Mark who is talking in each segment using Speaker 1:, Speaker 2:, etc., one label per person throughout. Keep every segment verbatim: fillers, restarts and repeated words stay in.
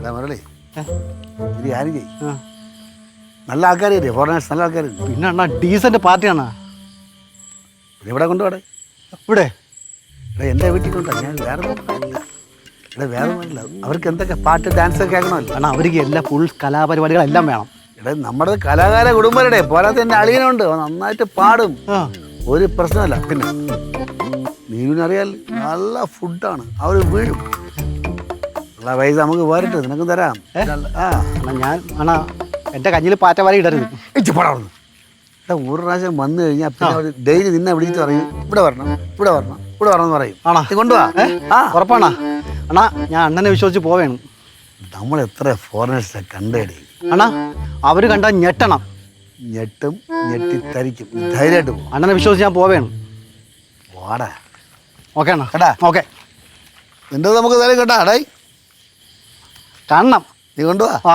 Speaker 1: മുരളി ഇത് ആരും ചെയ്യും നല്ല ആൾക്കാരില്ലേ ഫോറിനേഴ്സ് നല്ല ആൾക്കാർ
Speaker 2: പിന്നെ അണ്ണാ ഡീസന്റ് പാർട്ടിയാണ്.
Speaker 1: ഇവിടെ കൊണ്ടുപോടെ
Speaker 2: ഇവിടെ
Speaker 1: ഇവിടെ എൻ്റെ വീട്ടിൽ കൊണ്ടാ ഞാൻ വേറെ നോക്കില്ല ഇവിടെ വേറെ നോക്കില്ല. അവർക്ക് എന്തൊക്കെ പാട്ട് ഡാൻസ് ഒക്കെ ആക്കണമല്ലോ.
Speaker 2: കാരണം അവർക്ക് എല്ലാ ഫുൾ കലാപരിപാടികളെല്ലാം വേണം.
Speaker 1: ഇവിടെ നമ്മുടെ കലാകാര കുടുംബരുടെ പോരാത്ത എൻ്റെ അളിയനുണ്ട് നന്നായിട്ട് പാടും, ഒരു പ്രശ്നമല്ല. പിന്നെ നീവിനറിയാൽ നല്ല ഫുഡാണ്, അവർ വീഴും. ഉള്ള പൈസ നമുക്ക് വേറിട്ട് നിനക്ക് തരാം. ആ
Speaker 2: അണ്ണാ ഞാൻ അണ്ണാ എൻ്റെ കഞ്ഞിൽ പാറ്റ വരെ ഇടരുത്.
Speaker 1: ഇച്ചു പടർന്നു ഇവിടെ ഒരു പ്രാവശ്യം വന്നു കഴിഞ്ഞാൽ പിന്നെ അവർ ഡെയിലി നിന്നെ വിളിച്ചിട്ട് പറയും ഇവിടെ വരണം ഇവിടെ വരണം ഇവിടെ വരണം എന്ന് പറയും.
Speaker 2: ആണോ
Speaker 1: നീ കൊണ്ടുപോവാ? ആ
Speaker 2: ഉറപ്പാണാ അണ്ണാ, ഞാൻ അണ്ണനെ വിശ്വസിച്ച് പോവേണം.
Speaker 1: നമ്മൾ എത്ര ഫോറിനേഴ്സിനെ കണ്ടേടി
Speaker 2: അണ്ണാ, അവർ കണ്ടാൽ ഞെട്ടണം.
Speaker 1: ഞെട്ടും ഞെട്ടിത്തരിക്കും. ധൈര്യമായിട്ട് പോകും.
Speaker 2: അണ്ണനെ വിശ്വസിച്ച് ഞാൻ പോവേണം.
Speaker 1: വാടാ
Speaker 2: ഓക്കെ അണ്ണാ.
Speaker 1: കേട്ടാ
Speaker 2: ഓക്കെ
Speaker 1: നിന്റെ നമുക്ക് തരും കേട്ടാ. ഡേ
Speaker 2: കാണണം.
Speaker 1: നീ കൊണ്ടുപോവാ?
Speaker 2: ആ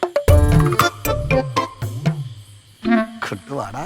Speaker 1: കിട്ടുവാടാ.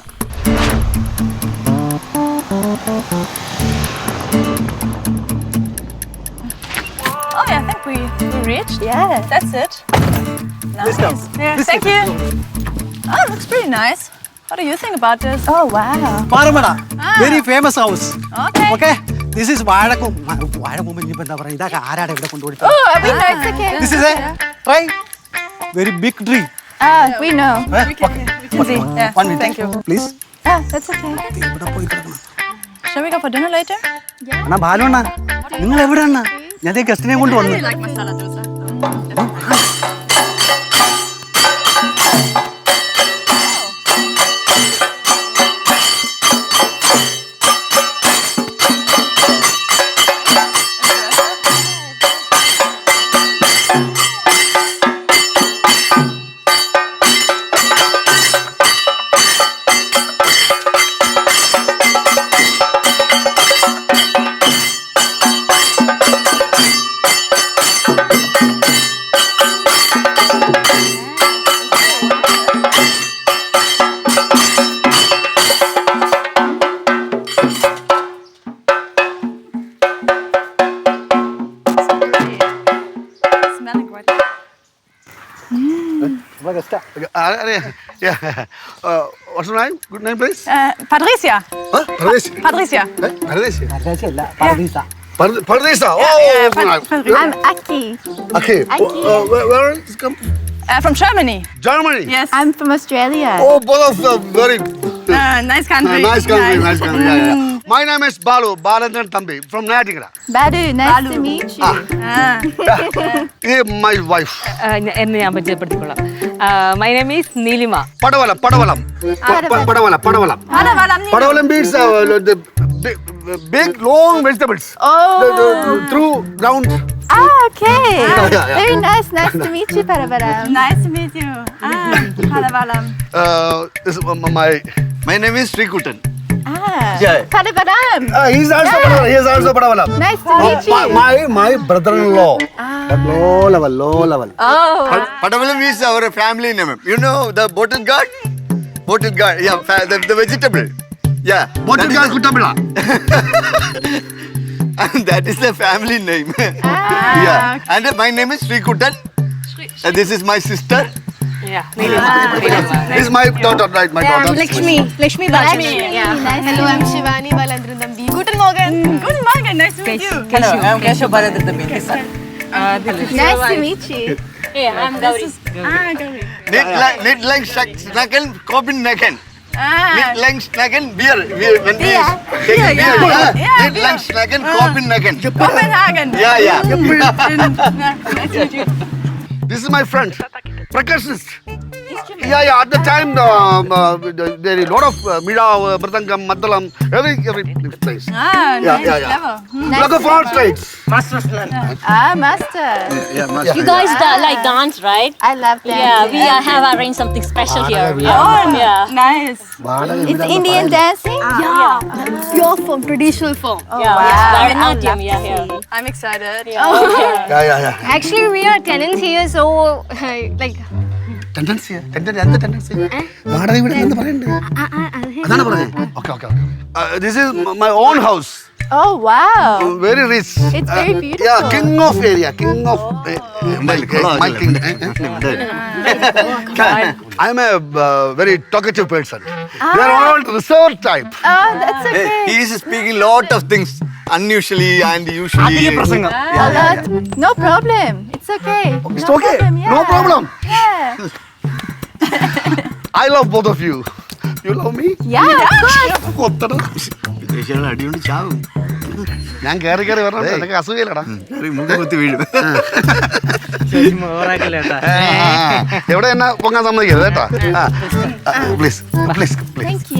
Speaker 3: Oh, yeah, I think we, we reached.
Speaker 4: Yeah.
Speaker 3: That's it. Nice. Yeah, thank you. Oh, it looks pretty nice. What do you think about this?
Speaker 4: Oh, wow.
Speaker 2: പാറമട very famous house.
Speaker 3: Okay.
Speaker 2: Okay this is വാഴക്കും. വാഴക്കും ഇനിയിപ്പോൾ എന്താ പറയുക, ഇതൊക്കെ ആരാടെ ഇവിടെ കൊണ്ടുപോയി.
Speaker 4: Oh, we know it's okay.
Speaker 2: This is a try very big tree.
Speaker 4: Ah, we know.
Speaker 3: We can, we can see. Yeah.
Speaker 2: One minute.
Speaker 3: Thank you.
Speaker 2: Please.
Speaker 4: Ah, that's okay.
Speaker 2: ഇവിടെ പോയി കിടക്കണം.
Speaker 3: Shall we go for dinner later?
Speaker 2: അണ്ണാ ബാലു അണ്ണാ, നിങ്ങൾ എവിടെ അണ്ണാ? ഞാൻ ഗസ്റ്റിനെ കൊണ്ട് വന്നു.
Speaker 3: like masala dosa. Smelling great.
Speaker 1: What's your name? Good name, please.
Speaker 3: Uh, Patricia.
Speaker 1: Huh? Pardeesi.
Speaker 3: Patricia.
Speaker 1: Eh? Pardeesi.
Speaker 2: അല്ല പർദീസ.
Speaker 1: Pard- Pardesa. Oh,
Speaker 3: Yeah, yeah,
Speaker 1: good
Speaker 3: Pat-
Speaker 1: name.
Speaker 3: Pat-
Speaker 4: I'm Aki.
Speaker 1: Okay.
Speaker 4: Aki.
Speaker 1: Uh, where, where is it come?
Speaker 3: Uh, from Germany.
Speaker 1: Germany.
Speaker 3: Yes.
Speaker 4: I'm from Australia.
Speaker 1: Oh, both of them very
Speaker 3: Uh, nice country.
Speaker 1: uh, nice country. Nice country. Yeah, yeah. My name is Balu. Balandan Tambi from Nayatikara.
Speaker 4: Badu, nice
Speaker 3: Balu.
Speaker 4: to meet you.
Speaker 3: Ah.
Speaker 1: Hey, my wife.
Speaker 5: എന്നെ ഞാൻ പരിചയപ്പെടുത്തിക്കൊള്ളാം. My name is Neelima.
Speaker 1: Padavalam. Padavalam. Pa- pa- Padavalam. Padavalam.
Speaker 3: Padavalam.
Speaker 1: Padavalam means uh, the big, big long vegetables.
Speaker 4: Oh.
Speaker 1: The, the, through ground.
Speaker 4: Ah, okay.
Speaker 1: yeah, yeah.
Speaker 4: Very nice. Nice to meet you, Paravaram.
Speaker 3: Nice to meet you. Ah, Padavalam.
Speaker 1: Uh, this is my my name is Srikutan.
Speaker 4: Ah,
Speaker 1: Yeah.
Speaker 4: Paravaram.
Speaker 1: Uh, he's also Padavalam. He is also Padavalam.
Speaker 4: Nice to meet
Speaker 1: My,
Speaker 4: you.
Speaker 1: my my brother-in-law. But low level, low level.
Speaker 4: Oh.
Speaker 6: Padavalam is our family name. You know the bottle gourd? Bottle gourd, yeah, fa- the, the vegetable. Yeah.
Speaker 1: Bottle
Speaker 6: that
Speaker 1: girl
Speaker 6: is-
Speaker 1: Kuttabila.
Speaker 6: And that is the family name.
Speaker 4: Ah.
Speaker 6: Yeah. And uh, my name is Sri Kutan. Uh, this is my sister.
Speaker 1: This is my daughter, right? My daughter.
Speaker 5: Lakshmi Lakshmi
Speaker 4: Lakshmi. Yeah. Nice
Speaker 7: Hello,
Speaker 4: to
Speaker 7: I'm
Speaker 4: meet you.
Speaker 7: Shivani Balandran Dambi.
Speaker 3: Guten Morgen. Guten Morgen. Nice to meet you.
Speaker 5: Hello, I'm
Speaker 7: Keshav Balandran Dambi.
Speaker 4: Nice to meet you.
Speaker 3: Ah, Gauri.
Speaker 6: Nit lang, nit lang, snacken, kopin nacken.
Speaker 3: Ah.
Speaker 6: Nit lang, snacken, beer. Beer. When we
Speaker 4: Beer.
Speaker 6: take
Speaker 3: Beer,
Speaker 6: beer,
Speaker 3: yeah.
Speaker 6: yeah.
Speaker 3: Yeah,
Speaker 6: Nit lang, snacken, kopin nacken.
Speaker 3: Copenhagen.
Speaker 6: Yeah, yeah.
Speaker 3: Nice to meet you.
Speaker 1: This is my friend, percussionist. Yeah, yeah. At the time, um, uh, there is a lot of uh, Mira, uh, Mridangam, Maddalam, every every place.
Speaker 3: Ah,
Speaker 1: Yeah,
Speaker 3: nice.
Speaker 1: yeah, yeah.
Speaker 3: Clever. Hmm.
Speaker 4: Nice
Speaker 1: Like a
Speaker 4: to
Speaker 1: foreign
Speaker 4: meet you.
Speaker 1: states.
Speaker 4: Ah, master.
Speaker 1: Yeah, must
Speaker 5: You
Speaker 1: be,
Speaker 5: guys da- like dance, right?
Speaker 4: I love that.
Speaker 5: Yeah, we uh, have arranged something special here.
Speaker 3: Oh,
Speaker 5: Yeah. Yeah.
Speaker 3: nice.
Speaker 4: It's Indian dancing?
Speaker 5: Yeah.
Speaker 7: Pure form, traditional form.
Speaker 5: Yeah.
Speaker 4: wow.
Speaker 5: It's Bharatanatyam. Yeah, yeah.
Speaker 3: I'm excited.
Speaker 1: Yeah, yeah, yeah.
Speaker 7: Actually, we are tenants here, so like.
Speaker 1: Tendency, tendency, എന്ത് tendency? വാടക ഇവിടെ എന്ത് പറയണ്ടേ? അതാണ് പറഞ്ഞത്. Okay, okay, okay. Uh, this is my own house.
Speaker 4: Oh wow.
Speaker 1: Very rich.
Speaker 4: It's very
Speaker 1: Uh,
Speaker 4: beautiful.
Speaker 1: Yeah, king of area, king of uh, milk. uh, my king. I'm a uh, very talkative person. They're all reserved type.
Speaker 4: Oh, that's okay.
Speaker 6: He is speaking lot of things unusually and usually.
Speaker 4: A lot. No problem. It's okay.
Speaker 1: It's
Speaker 4: no
Speaker 1: okay.
Speaker 4: Problem.
Speaker 1: No
Speaker 4: yeah.
Speaker 1: problem.
Speaker 4: Yeah.
Speaker 1: I love both of you. You love me?
Speaker 4: Yeah, of course.
Speaker 1: കൊത്തടാ.
Speaker 6: വിദേശികളെ അടികൊണ്ട് ചാവും.
Speaker 1: ഞാൻ കയറി കയറി വരണം എനിക്ക് അസുഖയില്ലടാ.
Speaker 6: ഒരു മുഖം കുത്തി വീഴും.
Speaker 1: എവിടെ എന്നെ പൊങ്ങാൻ സമ്മതിക്കരുത് കേട്ടാ. Please please please.
Speaker 4: Thank